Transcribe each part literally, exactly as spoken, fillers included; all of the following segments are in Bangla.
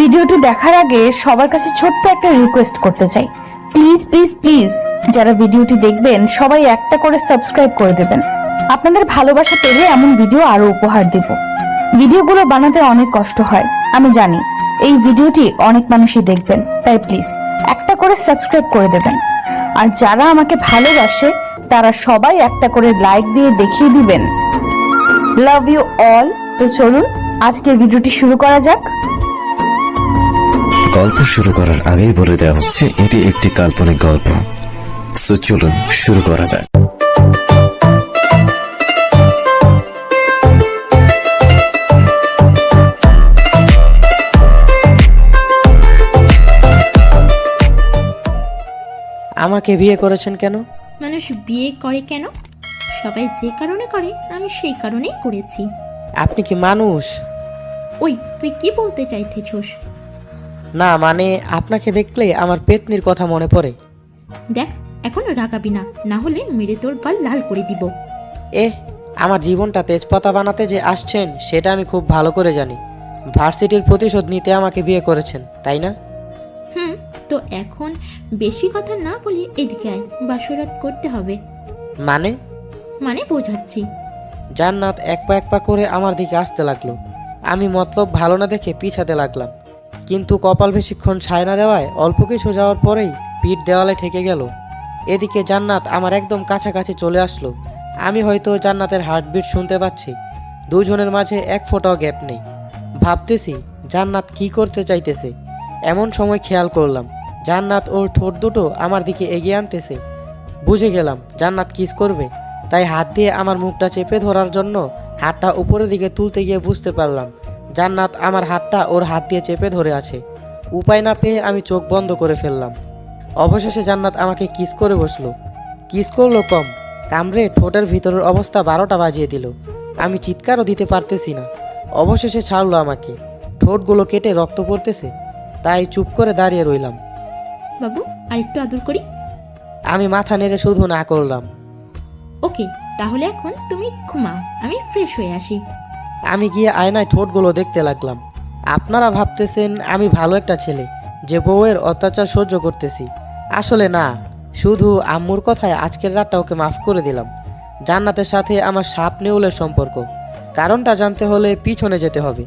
ভিডিওটি দেখার আগে সবার কাছে ছোট্ট একটা রিকোয়েস্ট করতে চাই, প্লিজ প্লিজ প্লিজ যারা ভিডিওটি দেখবেন সবাই একটা করে সাবস্ক্রাইব করে দেবেন। আপনাদের ভালোবাসা পেলে এমন ভিডিও আরো উপহার দেব। ভিডিওগুলো বানাতে অনেক কষ্ট হয় আমি জানি, এই ভিডিওটি অনেক মানুষই দেখবেন, তাই প্লিজ একটা করে সাবস্ক্রাইব করে দেবেন। আর যারা আমাকে ভালোবাসে তারা সবাই একটা করে লাইক দিয়ে দেখিয়ে দিবেন। Love you all. তো চলুন আজকের ভিডিওটি শুরু করা যাক। গল্প শুরু করার আগেই বলে দেওয়া হচ্ছে এটি একটি কাল্পনিক গল্প। সো চলুন শুরু করা যাক। আমাকে বিয়ে করেছেন কেন? মানুষ বিয়ে করে কেন? সবাই যে কারণে করে আমি সেই কারণেই করেছি। আপনি কি মানুষ? ওই তুই কি বলতে চাইতেছস? না মানে আপনাকে দেখলে আমার পেতনির কথা মনে পড়ে। দেখ এখন রাগাবি না, না হলে মেরে তোর গাল লাল করে দিব। এ আমার জীবনটা তেজপাতা বানাতে যে আসছেন সেটা আমি খুব ভালো করে জানি। ভার্সিটির প্রতিশোধ নিতে আমাকে বিয়ে করেছেন তাই না? হুম, তো এখন বেশি কথা না বলে এদিকে আয়, বাসরাত করতে হবে। মানে? মানে বোঝাচ্ছি। জান্নাত এক পা এক পা করে আমার দিকে আসতে লাগলো। আমি মতলব ভালো না দেখে পিছাতে লাগলাম, কিন্তু কপাল বেশিক্ষণ ছায় না দেওয়ায় অল্প কিছু যাওয়ার পরেই পিঠ দেওয়ালে ঠেকে গেল। এদিকে জান্নাত আমার একদম কাছাকাছি চলে আসলো। আমি হয়তো জান্নাতের হার্টবিট শুনতে পাচ্ছি। দুজনের মাঝে এক ফোঁটাও গ্যাপ নেই। ভাবতেছি জান্নাত কি করতে চাইতেছে। এমন সময় খেয়াল করলাম জান্নাত ওর ঠোঁট দুটো আমার দিকে এগিয়ে আনতেছে। বুঝে গেলাম জান্নাত কিস করবে, তাই হাত দিয়ে আমার মুখটা চেপে ধরার জন্য হাতটা উপরের দিকে তুলতে গিয়ে বুঝতে পারলাম জান্নাত আমার হাতটা ওর হাত দিয়ে চেপে ধরে আছে। উপায় না পেয়ে আমি চোখ বন্ধ করে ফেললাম। অবশেষে জান্নাত আমাকে কিস করে বসলো। কিস করলো কম, কামড়ে ঠোঁটের ভিতরের অবস্থা বারোটা বাজিয়ে দিল। আমি চিৎকারও দিতে পারতেছি না। অবশেষে ছাড়লো আমাকে। ঠোঁটগুলো কেটে রক্ত পড়তেছে, তাই চুপ করে দাঁড়িয়ে রইলাম। বাবু আরেকটু আদর করি। আমি মাথা নেড়ে শুধু না করলাম। ওকে, তাহলে এখন তুমি ঘুমাও, আমি ফ্রেশ হয়ে আসি। আমি গিয়ে আয়নায় ঠোঁটগুলো দেখতে লাগলাম। আপনারা ভাবতেছেন আমি ভালো একটা ছেলে যে বউয়ের অত্যাচার সহ্য করতেছি। আসলে না, শুধু আম্মুর কথায় আজকের রাতটা ওকে মাফ করে দিলাম। জান্নাতের সাথে আমার সাপ নেউলের সম্পর্ক, কারণটা জানতে হলে পিছনে যেতে হবে।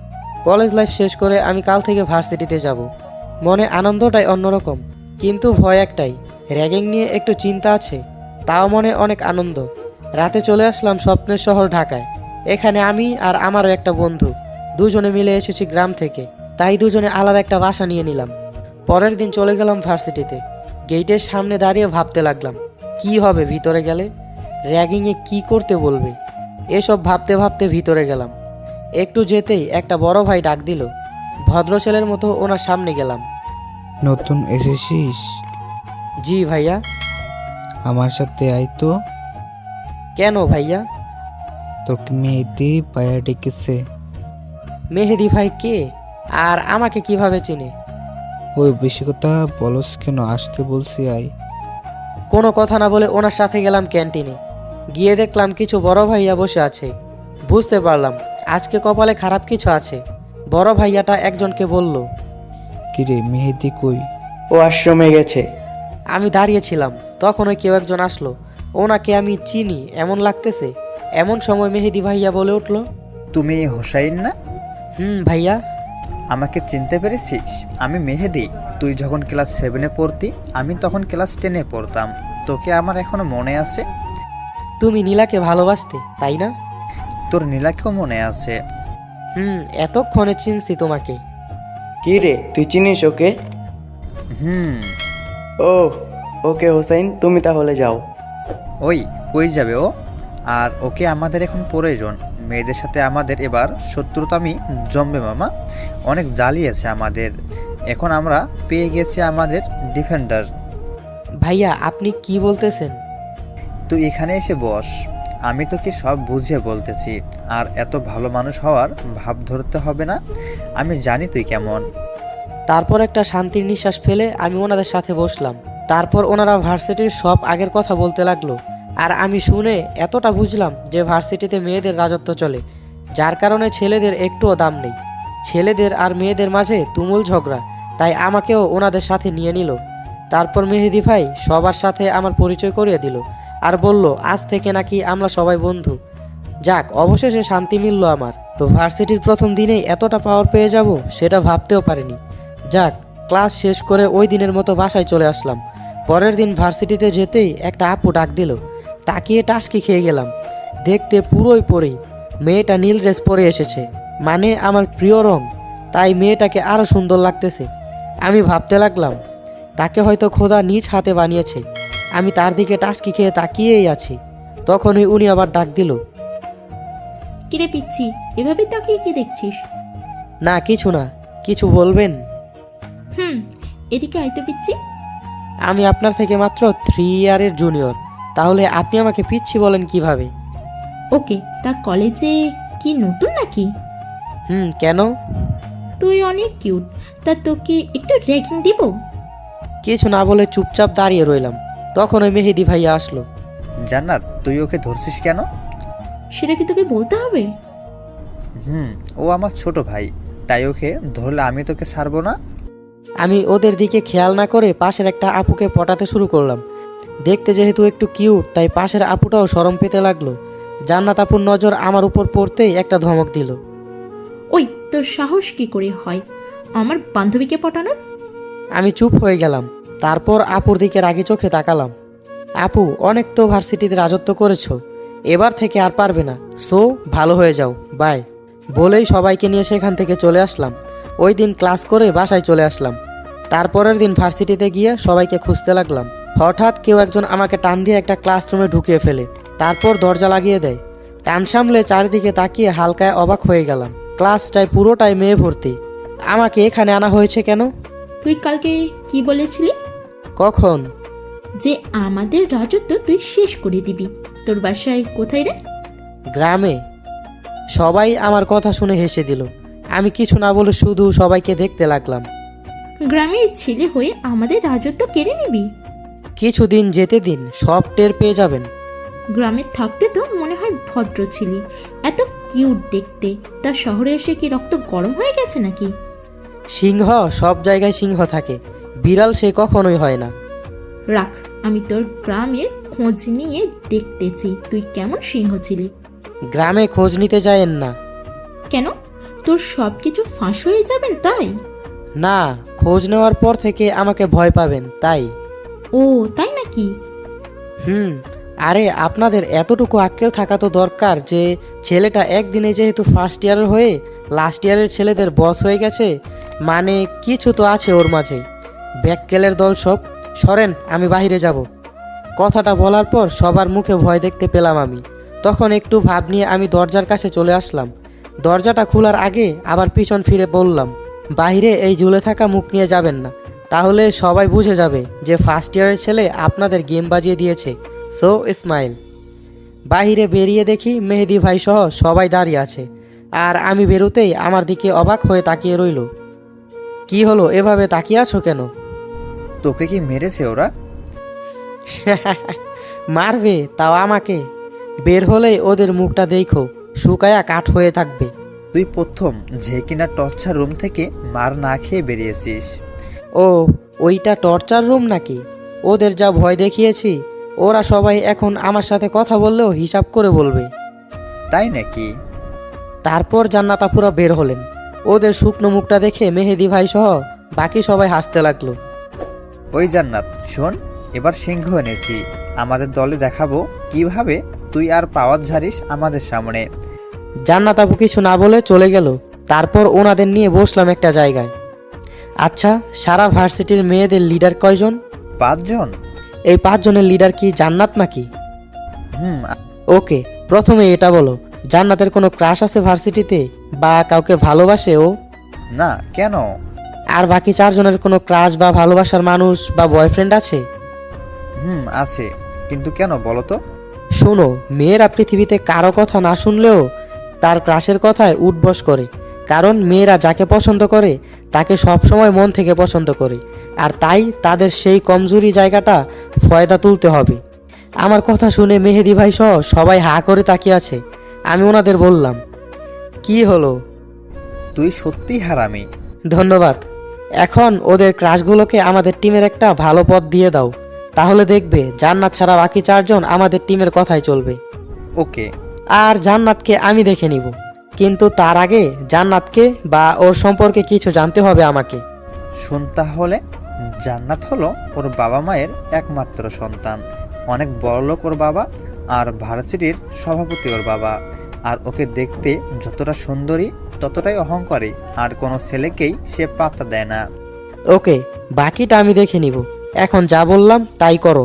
কলেজ লাইফ শেষ করে আমি কাল থেকে ভার্সিটিতে যাব। মনে আনন্দটাই অন্যরকম, কিন্তু ভয় একটাই, র্যাগিং নিয়ে একটু চিন্তা আছে। তাও মনে অনেক আনন্দ। রাতে চলে আসলাম স্বপ্নের শহর ঢাকায়। এখানে আমি আর আমারও একটা বন্ধু দুজনে মিলে এসেছি গ্রাম থেকে, তাই দুজনে আলাদা একটা বাসা নিয়ে নিলাম। পরের দিন চলে গেলাম ভার্সিটিতে। গেটের সামনে দাঁড়িয়ে ভাবতে লাগলাম কি হবে ভিতরে গেলে, র্যাগিংয়ে কি করতে বলবে, এসব ভাবতে ভাবতে ভিতরে গেলাম। একটু যেতেই একটা বড় ভাই ডাক দিল। ভদ্র ছেলের মতো ওনার সামনে গেলাম। নতুন এসেছিস? জি ভাইয়া। আমার সাথে আয় তো। কেন ভাইয়া? তোকে মেহেদি পায়া ডেকেছে। মেহেদি ভাই কে, আর আমাকে কিভাবে চিনে? ওই বেশি কথা বলস কেন, আসতে বলছি আয়। কোনো কথা না বলে ওনার সাথে গেলাম ক্যান্টিনে। গিয়ে দেখলাম কিছু বড় ভাইয়া বসে আছে। বুঝতে পারলাম আজকে কপালে খারাপ কিছু আছে। বড় ভাইয়াটা একজনকে বলল, কিরে মেহেদি কই? ও আশ্রমে গেছে। আমি দাঁড়িয়েছিলাম, তখন ওই কেউ একজন আসলো। ওনাকে আমি চিনি এমন লাগতেছে। এমন সময় মেহেদি ভাইয়া বলে উঠল, তুমি হোসাইন না? হুম ভাইয়া। আমাকে চিনতে পেরেছিস? আমি মেহেদি। তুই যখন ক্লাস সেভেনে পড়তি, আমি তখন ক্লাস টেনে পড়তাম। তোকে আমার এখনো মনে আছে? তুমি নীলাকে ভালোবাসতে তাই না? তোর নীলাকেও মনে আছে। হুম, এতক্ষণে চিনছি তোমাকে। কি রে, তুই চিনিস ওকে? হুম। ও ওকে হোসাইন, তুমি তাহলে যাও। ওই কই যাবে ও? আর ওকে আমাদের এখন প্রয়োজন। মেয়েদের সাথে আমাদের এবার শত্রুতামি জমবে মামা। অনেক জ্বালিয়েছে আমাদের। এখন আমরা পেয়ে গেছি আমাদের ডিফেন্ডার। ভাইয়া আপনি কি বলতেছেন? তুই এখানে এসে বস, আমি তোকে সব বুঝিয়ে বলতেছি। আর এত ভালো মানুষ হওয়ার ভাব ধরতে হবে না, আমি জানি তুই কেমন। তারপর একটা শান্তির নিঃশ্বাস ফেলে আমি ওনাদের সাথে বসলাম। তারপর ওনারা ভার্সিটির সব আগের কথা বলতে লাগলো। আর আমি শুনে এতটা বুঝলাম যে ভার্সিটিতে মেয়েদের রাজত্ব চলে, যার কারণে ছেলেদের একটুও দাম নেই। ছেলেদের আর মেয়েদের মাঝে তুমুল ঝগড়া, তাই আমাকেও ওনাদের সাথে নিয়ে নিল। তারপর মেহেদি ভাই সবার সাথে আমার পরিচয় করিয়ে দিল আর বলল আজ থেকে নাকি আমরা সবাই বন্ধু। যাক, অবশেষে শান্তি মিলল আমার। তো ভার্সিটির প্রথম দিনেই এতটা পাওয়ার পেয়ে যাব সেটা ভাবতেও পারিনি। যাক, ক্লাস শেষ করে ওই দিনের মতো বাসায় চলে আসলাম। পরের দিন ভার্সিটিতে যেতেই একটা আপু ডাক দিল। তাকিয়ে টাসকি খেয়ে গেলাম। দেখতে পুরোই পরেই, মেয়েটা নীল ড্রেস পরে এসেছে, মানে আমার প্রিয় রং। তাই মেয়েটাকে আরও সুন্দর লাগতেছে। আমি ভাবতে লাগলাম তাকে হয়তো খোদা নিজ হাতে বানিয়েছে। আমি তার দিকে টাসকি খেয়ে তাকিয়েই আছি। তখনই উনি আবার ডাক দিল। কিরে পিচ্ছি, এভাবে তাকিয়ে কি দেখছিস? না কিছু না, কিছু বলবেন? হুম, এদিকে আইতে পিচ্ছি। আমি আপনার থেকে মাত্র থ্রি ইয়ারের জুনিয়র, তাহলে আপনি আমাকে পিচ্ছি বলেন কিভাবে? ওকে, তা কলেজে কি নতুন নাকি? হুম, কেন? তুই অনেক কিউট, তা তোকে একটু র্যাগিং দিব? কিছু না বলে চুপচাপ দাঁড়িয়ে রইলাম। তখন ওই মেহেদি ভাইয়া আসলো। জান্নাত, তুই ওকে ধরছিস কেন? সেটা কি তোকে বলতে হবে? হুম, ও আমার ছোট ভাই, তাই ওকে ধরলে আমি তোকে ছাড়বো না। আমি ওদের দিকে খেয়াল না করে পাশের একটা আপুকে পটাতে শুরু করলাম। দেখতে যেহেতু একটু কিউট, তাই পাশের আপুটাও শরম পেতে লাগলো। জান্নাত আপুর নজর আমার উপর পড়তেই একটা ধমক দিল। ওই, তোর সাহস কি করে হয় আমার বান্ধবীকে পটানোর? আমি চুপ হয়ে গেলাম। তারপর আপুর দিকে রাগি চোখে তাকালাম। আপু, অনেক তো ভার্সিটিতে রাজত্ব করেছো, এবার থেকে আর পারবে না। সো ভালো হয়ে যাও, বাই। বলেই সবাইকে নিয়ে সেখান থেকে চলে আসলাম। ওই দিন ক্লাস করে বাসায় চলে আসলাম। তারপরের দিন ভার্সিটিতে গিয়ে সবাইকে খুঁজতে লাগলাম। হঠাৎ কেউ একজন আমাকে টান দিয়ে একটা ক্লাসরুমে ঢুকিয়ে ফেলে, তারপর দরজা লাগিয়ে দেয়। টান সামলে চারিদিকে তাকিয়ে হালকায় অবাক হয়ে গেলাম। ক্লাসটায় পুরোটাই মেয়ে ভর্তি। আমাকে এখানে আনা হয়েছে কেন? তুই কালকে কি বলেছিলি? কখন? যে আমাদের রাজত্ব তুই শেষ করে দিবি। তোর বাসায় কোথায় রে? গ্রামে। সবাই আমার কথা শুনে হেসে দিল। আমি কিছু না বলে শুধু সবাইকে দেখতে লাগলাম। গ্রামের ছেলে হয়ে আমাদের রাজত্ব কেড়ে নিবি? কিছুদিন যেতে দিন, সব টের পেয়ে যাবেন। গ্রামে থাকতে তো মনে হয় ভদ্র ছিলি, এত কিউট দেখতে, তা শহরে এসে কি রক্ত গরম হয়ে গেছে নাকি? সিংহ সব জায়গায় সিংহ থাকে, বিড়াল সে কখনোই হয় না। রাখ, আমি তোর গ্রামের খোঁজ নিয়ে দেখতেছি তুই কেমন সিংহ ছিলি। গ্রামে খোঁজ নিতে যায়েন না। কেন, তোর সব কিছু ফাঁস হয়ে যাবেন তাই? না, খোঁজ নেওয়ার পর থেকে আমাকে ভয় পাবেন তাই। ও তাই নাকি? হুম, আরে আপনাদের এতটুকু আক্কেল থাকা তো দরকার যে ছেলেটা একদিনে যেহেতু ফার্স্ট ইয়ারের হয়ে লাস্ট ইয়ারের ছেলেদের বস হয়ে গেছে, মানে কিছু তো আছে ওর মাঝে। ব্যাককেলের দল সব। সরেন, আমি বাইরে যাব। কথাটা বলার পর সবার মুখে ভয় দেখতে পেলাম আমি। তখন একটু ভাব নিয়ে আমি দরজার কাছে চলে আসলাম। দরজাটা খোলার আগে আবার পিছন ফিরে বললাম, বাইরে এই ঝুলে থাকা মুখ নিয়ে যাবেন না, তাহলে সবাই বুঝে যাবে যে ফার্স্ট ইয়ারের ছেলে আপনাদের গেম বাজিয়ে দিয়েছে। So smile. বাহিরে বেরিয়ে দেখি মেহেদি ভাই সহ সবাই দাঁড়িয়ে আছে, আর আমি বেরোতেই আমার দিকে অবাক হয়ে তাকিয়ে রইল। কি হলো, এভাবে তাকিয়ে আছো কেন? তোকে কি মেরেছে ওরা? মারবে, তাও আমাকে? বের হলেই ওদের মুখটা দেখো, শুকায়া কাঠ হয়ে থাকবে। তুই প্রথম যে কিনা টর্চার রুম থেকে মার না খেয়ে বেরিয়েছিস। ও, ওইটা টর্চার রুম নাকি? ওদের যা ভয় দেখিয়েছি, ওরা সবাই এখন আমার সাথে কথা বললেও হিসাব করে বলবে। তাই নাকি? তারপর জান্নাত আপুরা বের হলেন। ওদের শুকনো মুখটা দেখে মেহেদি ভাই সহ বাকি সবাই হাসতে লাগলো। ওই জান্নাত, শোন, এবার সিংহ এনেছি। আমাদের দলে দেখাবো কিভাবে তুই আর পাওয়ার ঝাড়িস আমাদের সামনে। জান্নাত আপু কিছু না বলে চলে গেল। তারপর ওনাদের নিয়ে বসলাম একটা জায়গায়। আচ্ছা, সারা ভার্সিটির মেয়েদের লিডার কয়জন? পাঁচজন। এই পাঁচজনের লিডার কি জান্নাত নাকি? হুম। ওকে, প্রথমে এটা বলো, জান্নাতের কোনো ক্রাশ আছে ভার্সিটিতে, বা কাউকে ভালোবাসে ও? না, কেন? আর বাকি চারজনের কোনো ক্রাশ বা ভালোবাসার মানুষ বা বয়ফ্রেন্ড আছে? হুম, আছে। কিন্তু কেন বলো তো? শোনো, মেয়েরা পৃথিবীতে কারো কথা না শুনলেও তার ক্রাশের কথায় উঠবস করে, কারণ মেয়েরা যাকে পছন্দ করে তাকে সবসময় মন থেকে পছন্দ করে, আর তাই তাদের সেই কমজোরি জায়গাটা ফয়দা তুলতে হবে। আমার কথা শুনে মেহেদি ভাই সহ সবাই হা করে তাকিয়ে আছে। আমি ওনাদের বললাম, কি হলো? তুই সত্যিই হারামি। ধন্যবাদ। এখন ওদের ক্রাশগুলোকে আমাদের টিমের একটা ভালো পথ দিয়ে দাও, তাহলে দেখবে জান্নাত ছাড়া বাকি চারজন আমাদের টিমের কথাই চলবে। ওকে। আর জান্নাতকে আমি দেখে নিব, কিন্তু তার আগে জান্নাতকে বা ওর সম্পর্কে কিছু জানতে হবে আমাকে। শোন তাহলে, জান্নাত হলো ওর বাবা মায়ের একমাত্র সন্তান। অনেক বড়লোক ওর বাবা, আর ভার্সিটির সভাপতি ওর বাবা। আর ওকে দেখতে যতটা সুন্দরী ততটাই অহংকারী, আর কোনো ছেলেকেই সে পাত্তা দেয় না। ওকে, বাকিটা আমি দেখে নিব। এখন যা বললাম তাই করো।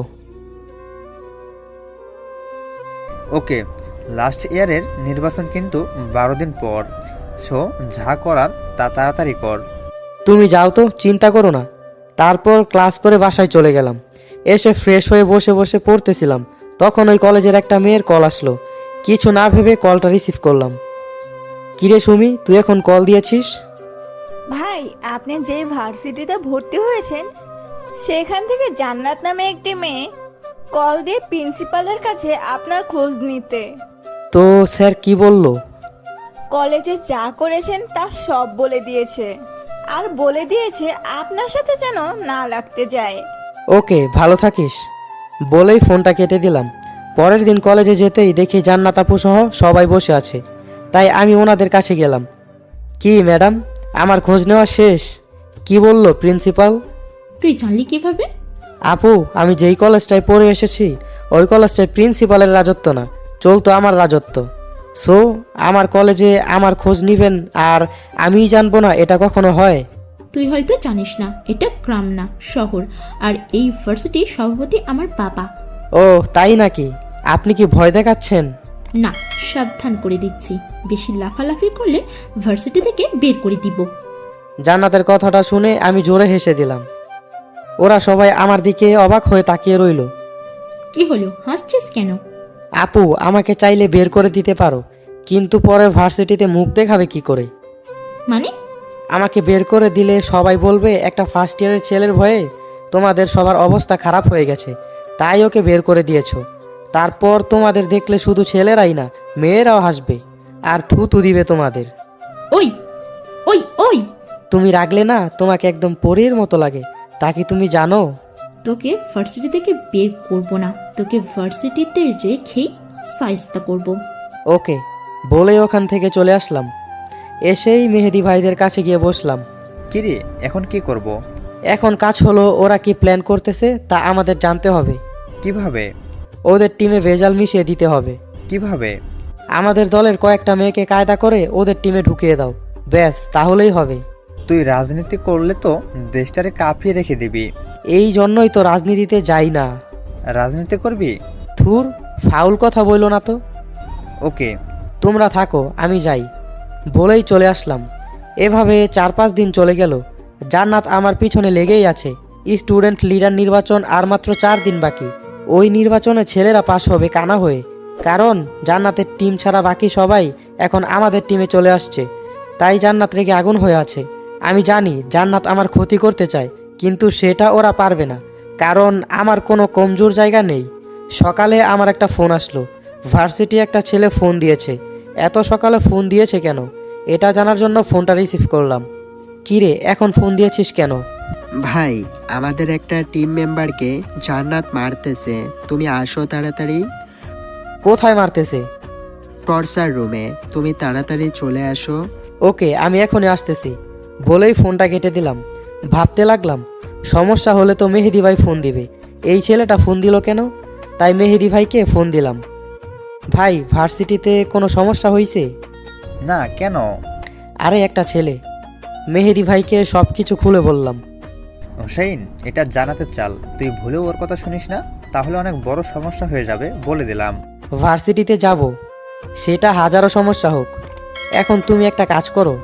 ওকে, লাস্ট ইয়ারের নির্বাচন কিন্তু বারো দিন পর, সো যা করার তা তাড়াতাড়ি কর। তুমি যাও তো, চিন্তা করো না। তারপর ক্লাস করে বাসায় চলে গেলাম। এসে ফ্রেশ হয়ে বসে বসে পড়তেছিলাম, তখন ওই কলেজের একটা মেয়ের কল আসলো। কিছু না ভেবে কলটা রিসিভ করলাম। কিরে সুমি, তুই এখন কল দিয়েছিস? ভাই, আপনি যে ভার্সিটিতে ভর্তি হয়েছেন সেখান থেকে জান্নাত নামে একটি মেয়ে কল দিয়ে প্রিন্সিপালের কাছে আপনার খোঁজ নিতে। তো স্যার কি বলল? কলেজে যা করেছেন তা সব বলে দিয়েছে, আর বলে দিয়েছে আপনার সাথে যেন না লাগতে যায়। ওকে, ভালো থাকিস বলেই ফোনটা কেটে দিলাম। পরের দিন কলেজে যেতেই দেখি জান্নাত আপু সহ সবাই বসে আছে, তাই আমি ওনাদের কাছে গেলাম। কি ম্যাডাম, আমার খোঁজ নেওয়া শেষ? কি বলল প্রিন্সিপাল? তুই জানলি কিভাবে? আপু, আমি যেই কলেজটায় পড়ে এসেছি ওই কলেজটায় প্রিন্সিপালের রাজত্ব না, চলতো আমার রাজত্ব। সো আমার কলেজে আমার খোঁজ নিবেন আর আমিই জানবো না, এটা কখনো হয়? তুই হয়তো জানিস না, এটা গ্রাম না শহর, আর এই ভার্সিটির সভাপতি আমার বাবা। ও তাই নাকি? আপনি কি ভয় দেখাচ্ছেন? না, সাবধান করে দিচ্ছি, বেশি লাফালাফি করলে ভার্সিটি থেকে বের করে দিব। জান্নাতের কথাটা শুনে আমি জোরে হেসে দিলাম। ওরা সবাই আমার দিকে অবাক হয়ে তাকিয়ে রইল। কি হলো, হাসছিস কেন? আপু, আমাকে চাইলে বের করে দিতে পারো, কিন্তু পরে ভার্সিটিতে মুখ দেখাবে কি করে? মানে? আমাকে বের করে দিলে সবাই বলবে একটা ফার্স্ট ইয়ারের ছেলের ভয়ে তোমাদের সবার অবস্থা খারাপ হয়ে গেছে, তাই ওকে বের করে দিয়েছো। তারপর তোমাদের দেখলে শুধু ছেলেরাই না, মেয়েরাও হাসবে আর থু থু দিবে তোমাদের। ওই ওই ওই তুমি রাগলে না তোমাকে একদম পরীর মতো লাগে, তা কি তুমি জানো? তোকে ভার্সিটি থেকে বের করব না, তোকে ভার্সিটিতে রেখেই সাইস্তা করব। ওকে বলে ওখান থেকে চলে আসলাম। এসেই মেহেদি ভাইদের কাছে গিয়ে বসলাম। কিরে, এখন কি করব? এখন কাজ হলো ওরা কি প্ল্যান করতেছে তা আমাদের জানতে হবে। কিভাবে? ওদের টিমে ভেজাল মিশিয়ে দিতে হবে। কিভাবে? আমাদের দলের কয়েকটা মেয়েকে কায়দা করে ওদের টিমে ঢুকিয়ে দাও, ব্যাস তাহলেই হবে। তুই রাজনীতি করলে তো দেশটারে কাঁপিয়ে রেখে দিবি। এই জন্যই তো রাজনীতিতে যাই না। রাজনীতি করবি? থুর, ফাউল কথা বইলো না তো। ওকে। তোমরা থাকো, আমি যাই বলেই চলে আসলাম। এভাবে চার পাঁচ দিন চলে গেল। জান্নাত আমার পিছনে লেগেই আছে। স্টুডেন্ট লিডার নির্বাচন আর মাত্র চার দিন বাকি। ওই নির্বাচনে ছেলেরা পাশ হবে কানা হয়ে, কারণ জান্নাতের টিম ছাড়া বাকি সবাই এখন আমাদের টিমে চলে আসছে। তাই জান্নাত রেগে আগুন হয়ে আছে। আমি জানি জান্নাত আমার ক্ষতি করতে চায়, কিন্তু সেটা ওরা পারবে না, কারণ আমার কোনো কমজোর জায়গা নেই। সকালে আমার একটা ফোন আসলো, ভার্সিটি একটা ছেলে ফোন দিয়েছে। এত সকালে ফোন দিয়েছে কেন এটা জানার জন্য ফোনটা রিসিভ করলাম। কিরে, এখন ফোন দিয়েছিস কেন? ভাই, আমাদের একটা টিম মেম্বারকে জান্নাত মারতেছে, তুমি আসো তাড়াতাড়ি। কোথায় মারতেছে? টর্চার রুমে, তুমি তাড়াতাড়ি চলে আসো। ওকে, আমি এখনই আসতেছি বলেই ফোনটা কেটে দিলাম। ভাবতে লাগলাম সমস্যা হলে তো মেহেদি ভাই ফোন দিবে, এই ছেলেটা ফোন দিল কেন? তাই মেহেদি ভাইকে ফোন দিলাম। ভাই, ভার্সিটিতে কোনো সমস্যা হয়েছে? না, কেন? আরে একটা ছেলে। মেহেদি ভাইকে সব কিছু খুলে বললাম। হোসেন, এটা জানাতে চাল, তুই ভুলেও ওর কথা শুনিস না, তাহলে অনেক বড় সমস্যা হয়ে যাবে, বলে দিলাম। ভার্সিটিতে যাব, সেটা হাজারো সমস্যা হোক। এখন তুমি একটা কাজ করো।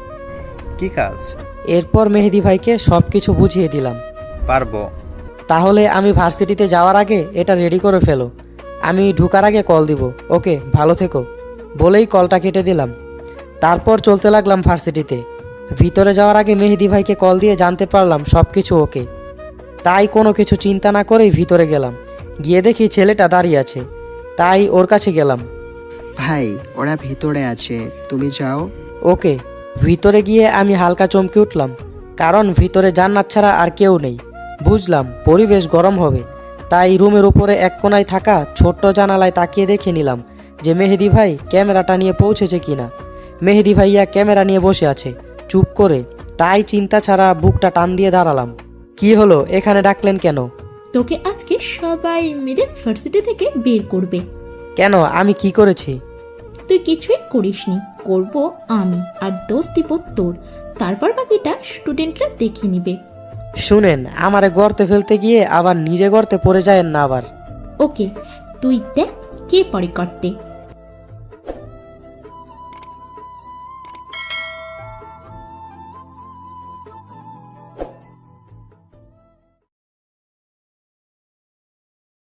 কি কাজ? এরপর মেহেদি ভাইকে সব কিছু বুঝিয়ে দিলাম। পারবো। তাহলে আমি ভার্সিটিতে যাওয়ার আগে এটা রেডি করে ফেলো, আমি ঢুকার আগে কল দিব। ওকে, ভালো থেকো বলেই কলটা কেটে দিলাম। তারপর চলতে লাগলাম ভার্সিটিতে। ভিতরে যাওয়ার আগে মেহেদি ভাইকে কল দিয়ে জানতে পারলাম সব কিছু ওকে। তাই কোনো কিছু চিন্তা না করেই ভিতরে গেলাম। গিয়ে দেখি ছেলেটা দাঁড়িয়ে আছে, তাই ওর কাছে গেলাম। ভাই, ওরা ভিতরে আছে, তুমি যাও। ওকে ভিতরে গিয়ে আমি হালকা চমকে উঠলাম, কারণ ভিতরে জান্নাত ছাড়া আর কেউ নেই। বুঝলাম পরিবেশ গরম হবে, তাই রুমের উপরে এক কোনায় থাকা ছোট্ট জানালায় তাকিয়ে দেখে নিলাম যে মেহেদি ভাই ক্যামেরাটা নিয়ে পৌঁছেছে কিনা। মেহেদি ভাইয়া ক্যামেরা নিয়ে বসে আছে চুপ করে, তাই চিন্তা ছাড়া বুকটা টান দিয়ে দাঁড়ালাম। কি হলো, এখানে ডাকলেন কেন? তোকে আজকে সবাই মিলে ভার্সিটি থেকে বের করবে। কেন, আমি কি করেছি? তুই কিছুই করিসনি, করব আমি, আর দোষ দিব তোর। তারপর বাকিটা স্টুডেন্টরা দেখে নিবে। শুনেন, আমারে গর্তে ফেলতে গিয়ে আবার নিজে গর্তে পড়ে যায়েন না আবার। ওকে, তুই দেখ কে পরে করতে।